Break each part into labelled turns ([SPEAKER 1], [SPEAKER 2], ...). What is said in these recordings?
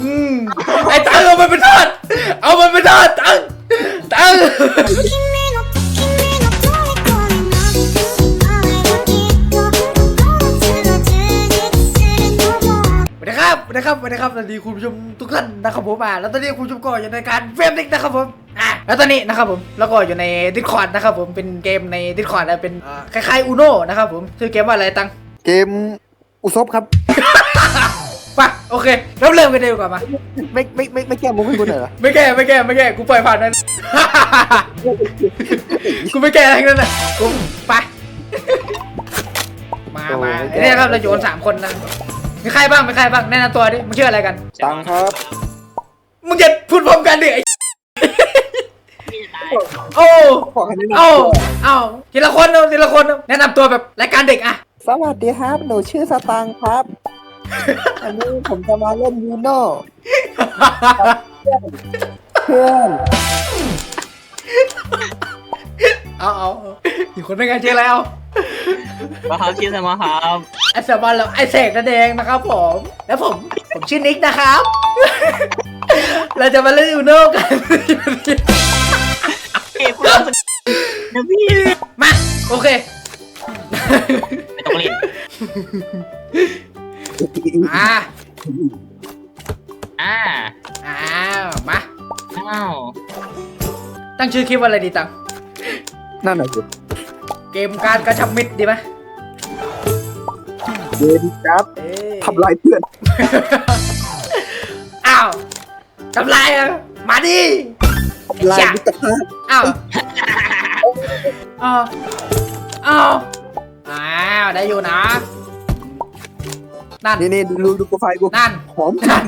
[SPEAKER 1] ไอ้ตังเอามันเป็นทอดเอามันเป็นทอดตังสวัสดีครับสวัสดีคุณผู้ชมทุกท่านนะครับผมแล้วตอนนี้คุณผู้ชมก็อยู่ในการเฟรมดิกนะครับผมแล้วตอนนี้นะครับผมแล้วก็อยู่ใน Discord นะครับผมเป็นเกมใน Discord นะเป็นคล้ายๆ Uno นะครับผมชื่อเกมว่าอะไรตัง
[SPEAKER 2] เกมอุซบครับ
[SPEAKER 1] ป่ะโอเคเริ่มกันดีกว่ามา
[SPEAKER 2] ไม่แก้มุกให้กูหน่อยเหรอ
[SPEAKER 1] ไม่แก้กูปล่อยผ่านนั้นกูไม่แก้อะไรทั้งนั้นน่ะกูไปมาเนี่ยครับเราโยน3 คนนะมีใครบ้างแนะนำตัวดิมึงชื่ออะไรกัน
[SPEAKER 2] ตังครับ
[SPEAKER 1] มึงจะพูดพร้อมกันดิโอ้ทีละคนแนะนำตัวแบบรายการเด็กอะ
[SPEAKER 2] สวัสดีครับหนูชื่อสตังครับอันนี้ผมจะมาเล่นยูโน่เพื่อน
[SPEAKER 1] เอาอีกคนนึงกันชื่ออะไรเอา
[SPEAKER 3] มาครับชื่อสมาครับ
[SPEAKER 1] ไอสมอนแล้วไอเสกนั่นเองนะครับผมแล้วผมชื่อนิกนะครับเราจะมาเล่นยูโน่กัน
[SPEAKER 3] เก็บคุณรับนะพี่
[SPEAKER 1] มาโอเค
[SPEAKER 3] ไม่ต้องเล่น
[SPEAKER 1] มาตั้งชื่อคลิปว่าอะไรดีตัง
[SPEAKER 2] นั่นน่ะสิ
[SPEAKER 1] เกมการกระชับมิตรดีไหม
[SPEAKER 2] เกมครับทำลายเพื่อน
[SPEAKER 1] อ้าวทำลายอ่ะมาดิ
[SPEAKER 2] ทำลายมิตรภาพ
[SPEAKER 1] อ้าวได้อยู่นะนั่น
[SPEAKER 2] นี่ดูโปรไฟล์กู
[SPEAKER 1] นั่น
[SPEAKER 2] หอมจัง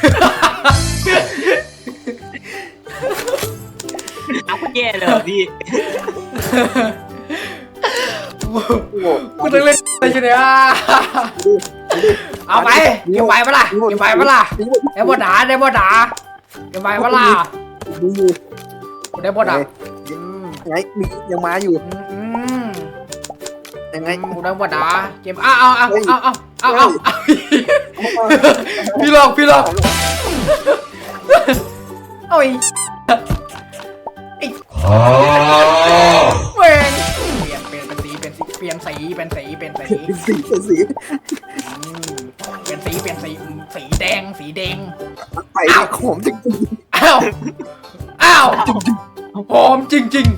[SPEAKER 3] เอาแย่เลยพี่
[SPEAKER 1] กูต้องเล่นอะไรอยู่เนี่ยเอาไปเก็บไปปะล่ะได้บด่าเก็บไปปะล่ะได้บด่า
[SPEAKER 2] ไงยังมาอยู่ยังไง
[SPEAKER 1] กูได้บด่าเก็บเอาพี่หลอกโอ้ยเปลี่ยนสีสีแดง
[SPEAKER 2] ไปหอมจริง
[SPEAKER 1] อ้าวหอมจริง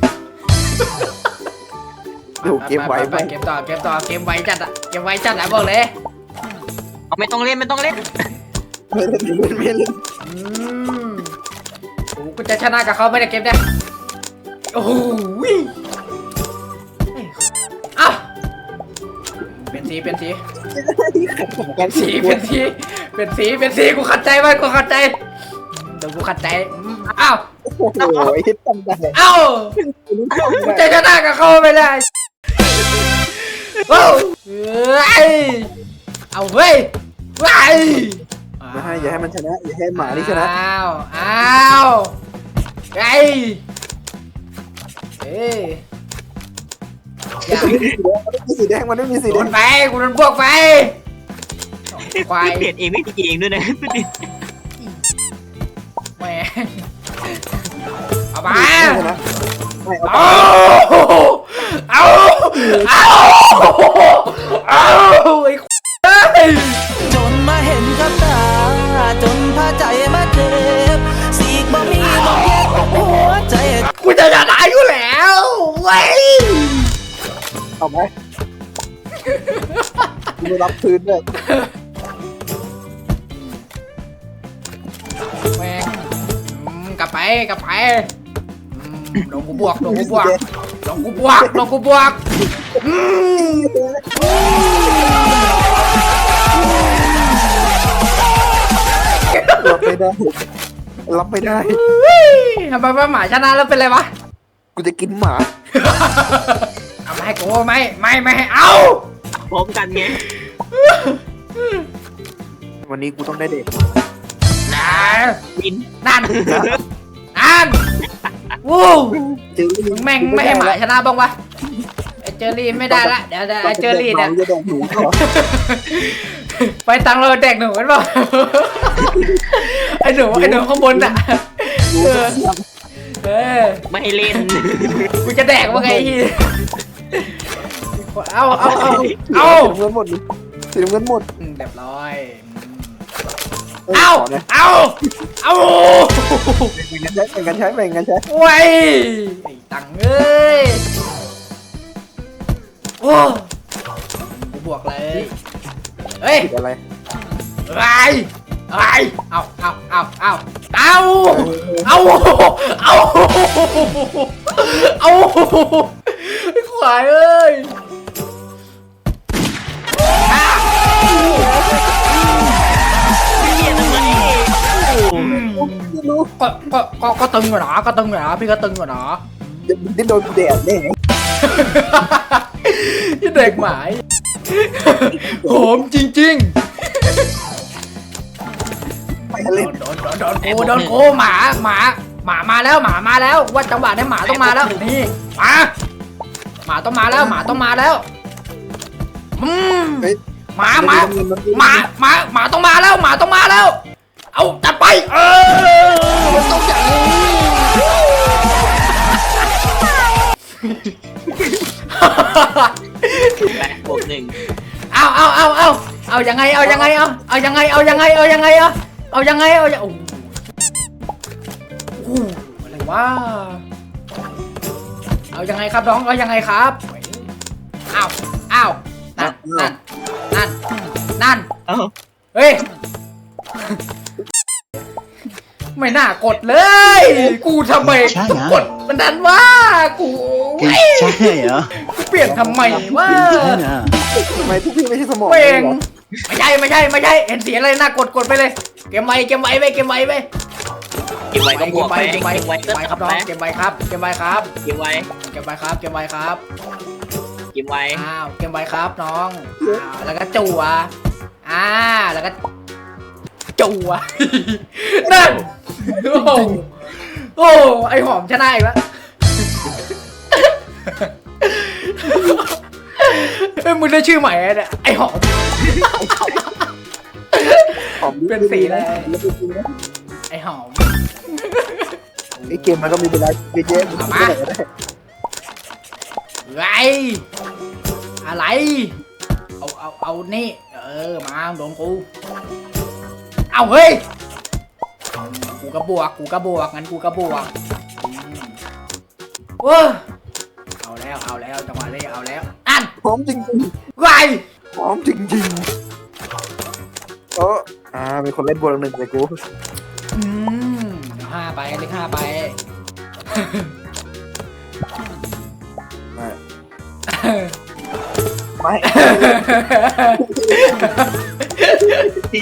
[SPEAKER 2] เดี๋ยวเก็บไว้
[SPEAKER 1] เก็บต่อเก็บไว้จัดอะบอกเลย
[SPEAKER 3] เอาไม่ต้องเล่น
[SPEAKER 2] ไม่เล่น
[SPEAKER 1] กูจะชนะกับเขาไม่ได้เก็บได้โอ้โหอ้าวเปลี่ยนสีกูขัดใจไว้กูขัดใจเดี๋ยวกูขัดใจอ้าว
[SPEAKER 2] โอ้ยทำได้
[SPEAKER 1] อ้าวกูจะชนะกับเขาไม่ได้ว้าวเอาเว้ย
[SPEAKER 2] ไม่ให้อย่าให้มันชนะอย่าให้หมานี่ชนะ
[SPEAKER 1] อ้าว
[SPEAKER 2] สีแดงมันไม่มีสีแดง
[SPEAKER 1] ไฟกูโดนพวกไฟ
[SPEAKER 3] ควายเปลี่ยนเองไม่ตีเองด้วยนะ
[SPEAKER 1] แม่เอามาเอาไอ้
[SPEAKER 4] จนมาเห็นกับตาจนพาใจมาเจ็บสีกบ่มีบ่เย็บหัวใจ
[SPEAKER 1] กูจะชนะอยู่แล้วเว้ย
[SPEAKER 2] เอาไหมกูรับคืนด้วย
[SPEAKER 1] แม่งกลับไปลงกูบวกเ
[SPEAKER 2] รับไม่ได้
[SPEAKER 1] ทำไมว่าหมาชนะแล้วเป็นไรวะ
[SPEAKER 2] กูจะกินหมา
[SPEAKER 1] เอาไม่ให้กูไม่ให้เอา
[SPEAKER 3] พร้อมกันไง
[SPEAKER 2] วันนี้กูต้องได้เด็ก
[SPEAKER 1] วินนั่นวู้แม่งไม่ให้หมาชนะบ้างวะไอเจอรี่ไม่ได้ละเดี๋ยวไอเจอรี่เนี่ยไปตังเราแดกหนูกันป่ะไอ้หนูข้างบนอ่ะเออ
[SPEAKER 3] ไม่ให้เล่น
[SPEAKER 1] กูจะแดกว่าไงพี่เอา
[SPEAKER 2] สีน้ำเงินหมดเลยสีน้ำเงินหมด
[SPEAKER 1] เรียบร้อย
[SPEAKER 2] เอ้ย
[SPEAKER 1] เอา
[SPEAKER 2] ขนะ
[SPEAKER 1] เอา
[SPEAKER 2] แบ่งกันใช้แบ่งกันใช้
[SPEAKER 1] โอ้ยไอ้ตังเอ้ยโอ้กูบวกเลยเฮ้ย
[SPEAKER 2] ผิดอะไร
[SPEAKER 1] อะไรเอาขวายเอ้ย
[SPEAKER 3] เหี้ยทำไม
[SPEAKER 2] ไม่รู้
[SPEAKER 1] ก็ตึงอยู่นะพี่ก็ตึงอยู่นะ
[SPEAKER 2] เดี๋ยวมึงได้โดนแดดแน่
[SPEAKER 1] ที่เด็กหมายโหมจริง
[SPEAKER 2] ไปทะเล
[SPEAKER 1] ๆโดนโกหมามาแล้วว่าจังหวะนี้หมาต้องมาแล้วนี่หมาต้องมาแล้ว
[SPEAKER 2] เฮ้ย
[SPEAKER 1] หมาต้องมาแล้ว เอาจัดไปมันต้องอย่างนี้
[SPEAKER 3] 8 บวก 1
[SPEAKER 1] เอายังไงโอ้โหอะไรวะเอายังไงครับน้องเอายังไงครับนั่น
[SPEAKER 3] เอ้า
[SPEAKER 1] เฮ้ย ไม่น่ากดเลย กูทำไมต้องกดมันดันว่ากูใช่เหรอกูเปลี่ยนทำไมวะ
[SPEAKER 2] ทำไมทุกพี่ไม่ใช่สมอง
[SPEAKER 1] เป่ง
[SPEAKER 2] หรอ
[SPEAKER 1] ไม่ใช่เห็นเสียงอะไรน่ากดไปเลยเก็บไว้ก็บวกไป
[SPEAKER 3] เก็บไว้ครับน้อง
[SPEAKER 1] เก็บไว้ครับ
[SPEAKER 3] เก็บไว้
[SPEAKER 1] อ้าวเก็บไว้ครับน้องแล้วก็จั่วแล้วก็จั่วนั่นโอ้ไอหอมชนะอีกแล้วเอ้ยมึงได้ชื่อใหม่เนี่ยไอหอม เป็นสีอะไร ไอหอม
[SPEAKER 2] ไอเกมมันก็มีเวลาเยอะๆ
[SPEAKER 1] เอามา ไรอะไรเอานี่มาโดนกูเอาเฮ้ยกูกระบวกงั้นกูกระบวกว้าเอาแล้วจังหวะนี้เอาแล้วอัน
[SPEAKER 2] พร้อมจริง
[SPEAKER 1] ไร
[SPEAKER 2] ๆพร้อมจริงๆมีคนเล่นบอลหนึ่งเลยกู
[SPEAKER 1] 5 ไปเลข 5 ไป
[SPEAKER 2] ไม่
[SPEAKER 3] ดี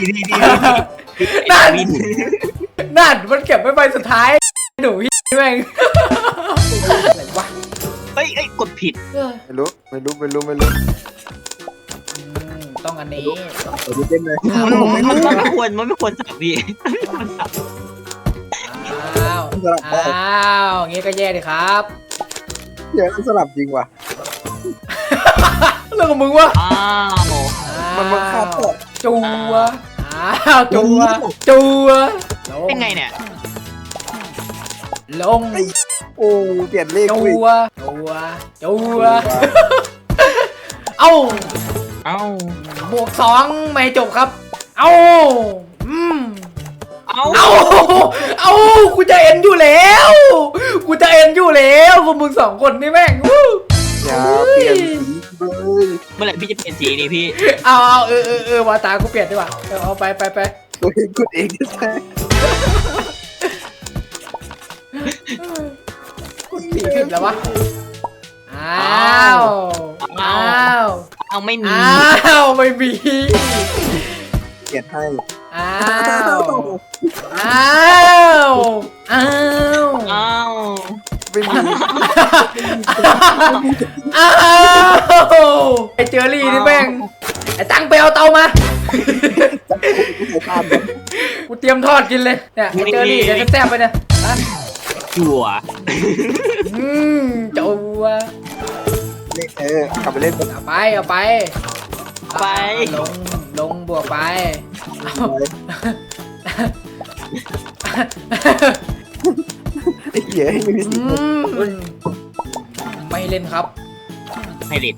[SPEAKER 1] นั่นมันเก็บไว้ใบสุดท้ายหนูแม่งอะไรวะ
[SPEAKER 3] เฮ้ยกดผิด
[SPEAKER 2] ไม่รู้
[SPEAKER 1] ต้องอันนี้
[SPEAKER 2] ดูเต้นเลย
[SPEAKER 3] มันไม่ควรสับพี่
[SPEAKER 1] อ้าวงี้ก็แย่ดิครับ
[SPEAKER 2] เดี๋ยวสลับจริงว่ะ
[SPEAKER 1] เรื่องของมึงวะ
[SPEAKER 2] มันคาดตก
[SPEAKER 1] จัว
[SPEAKER 3] เป็นไงเนี่ย
[SPEAKER 1] ลง
[SPEAKER 2] โอ้เปลี่ยนเลข
[SPEAKER 1] จั
[SPEAKER 2] กูอีก
[SPEAKER 1] วเอ้า บวก 2ไม่จบครับเอ้ากูจะเอ็นอยู่แล้วพวกมึง2 คนนี่แม่ง
[SPEAKER 2] อย่าเปลี่ยนสีเลย
[SPEAKER 3] เมื่อไหร่พี่จะเปลี่ยนสีนี่พี่
[SPEAKER 1] เอาวาตากูเปลี่ยนดีกว่าเอาไป
[SPEAKER 2] ตัวเองกดเองใช่
[SPEAKER 1] กูสีผิดแล้ววะ
[SPEAKER 3] ไม่มี
[SPEAKER 1] ไม่มี
[SPEAKER 2] เปลี่ยนให้ ไม่มี
[SPEAKER 1] ไอเจอรี่นี่แม่งไอตังไปเอาเตามากูเตรียมทอดกินเลยเนี่ยไอเจอรี่เดี๋ยวจะแซ่บไปเนี่ย
[SPEAKER 3] จั่ว
[SPEAKER 1] จัว
[SPEAKER 2] กลับไปเล่นกัน
[SPEAKER 1] เอาไป
[SPEAKER 3] ไป
[SPEAKER 1] ลงบวกไป
[SPEAKER 2] ไอ้เหี้ยไม่มี
[SPEAKER 1] อื
[SPEAKER 2] สิทธิ์
[SPEAKER 1] มไม่เล่นครับ
[SPEAKER 3] ให้เด็ด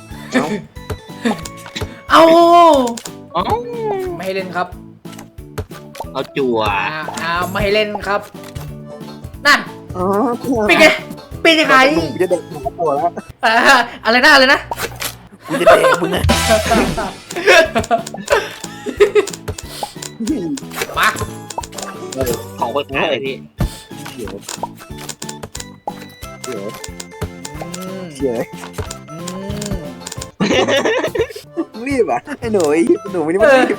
[SPEAKER 1] เอา
[SPEAKER 3] อ๋อ
[SPEAKER 1] ไม่ให้เล่นครับ
[SPEAKER 3] เอาจั่ว
[SPEAKER 1] ไม่ให้เล่นครับ นั่น
[SPEAKER 2] อ๋อ
[SPEAKER 1] เป็นไงเป็นยังไง
[SPEAKER 2] กูจะเด็กหนูตัวแล้ว
[SPEAKER 1] อะไรนะอะไรนะ
[SPEAKER 2] กูจะเด็กมึงนะ
[SPEAKER 1] มา
[SPEAKER 3] ของคนง่ายเลยพี่
[SPEAKER 2] เดี๋ยวเดี๋ยว
[SPEAKER 1] อืม
[SPEAKER 2] เดี๋ยว
[SPEAKER 1] อืม
[SPEAKER 2] รีบอ่ะไอ้หนูไม่ได้มารีบ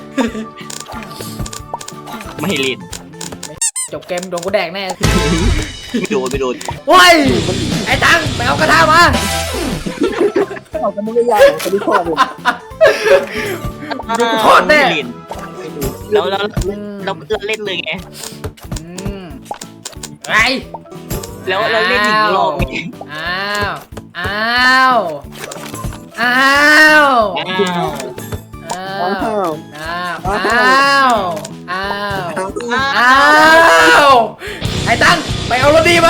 [SPEAKER 3] ไม่ให้เล่น
[SPEAKER 1] จบเกมโดนกูแดกแน่
[SPEAKER 3] ไม่โดนไม่โดน
[SPEAKER 1] โว้ยไอ้ตังไปเอากระทะมา
[SPEAKER 2] เอากันไม่ยากคนที่พ่อเลย
[SPEAKER 1] เดี๋ยวกูทอดแน่
[SPEAKER 3] ไม่เล่นแล้วเราเล่นเลยไง
[SPEAKER 1] อืมไง
[SPEAKER 3] แล้วเราเล่นหนึ่งรอบไง
[SPEAKER 1] อ้าวอ้าวอ้าวอ้าว
[SPEAKER 2] อ้าว
[SPEAKER 1] อ้าวอ้าวอ้าวอ้าวไอ้ตังไปเอารถดีมา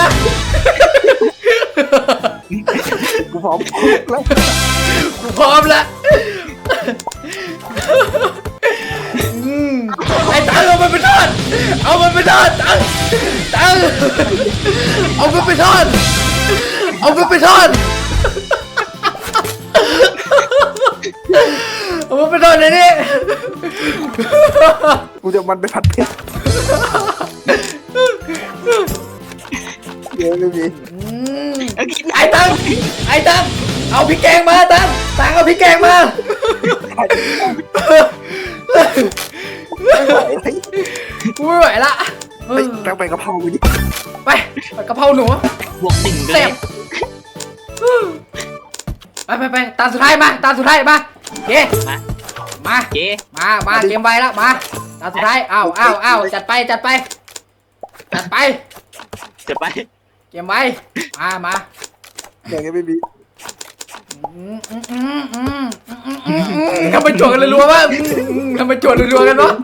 [SPEAKER 2] กูพร้อมแล้ว
[SPEAKER 1] กูพร้อมแล้วไอ้ตังเอามันไปทอดเอามันไปทอดตังเอามันไปทอดเอามันไปทอดเอามันไปทอดเลยนี่
[SPEAKER 2] กูจะมันไปผัดเผ็ดเดี๋ยวไม่มี
[SPEAKER 1] ไอ้ตังเอาพริกแกงมาตังเอาพริกแกงมา
[SPEAKER 2] ไม่ไหว
[SPEAKER 1] กูไม่ไหวละ
[SPEAKER 2] ไปตั้งไปกะเพราไปดิ
[SPEAKER 1] ไปผัดกะเพราหนู
[SPEAKER 3] บวกหนึ่งเล
[SPEAKER 1] เส
[SPEAKER 3] ย
[SPEAKER 1] พไปตาสุดท้ายมาตาสุดท้ายมาเย้มา
[SPEAKER 3] เจ๊
[SPEAKER 1] มาเตรียมไว้แล้วมาตาสุดท้ายอ้าวจัดไปจัดไป
[SPEAKER 3] จะไป
[SPEAKER 1] เตรียมไว้มา
[SPEAKER 2] อย่างเงี้ยไม่มี
[SPEAKER 1] ทำไมโจทย์กันรัวๆวะทำไมโจทย์รัวๆกันวะ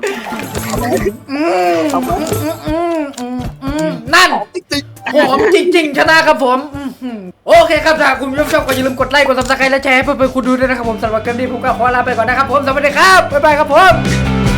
[SPEAKER 1] นั่นผมจริงๆชนะครับผมโอเคครับถ้าคุณผู้ชมชอบก็อย่าลืมกดไลค์กดซับสไครต์และแชร์ให้เพื่อนๆคุณดูด้วยนะครับผมสำหรับเกมนี้ผมก็ขอลาไปก่อนนะครับผมสวัสดีครับบ๊ายบายครับผม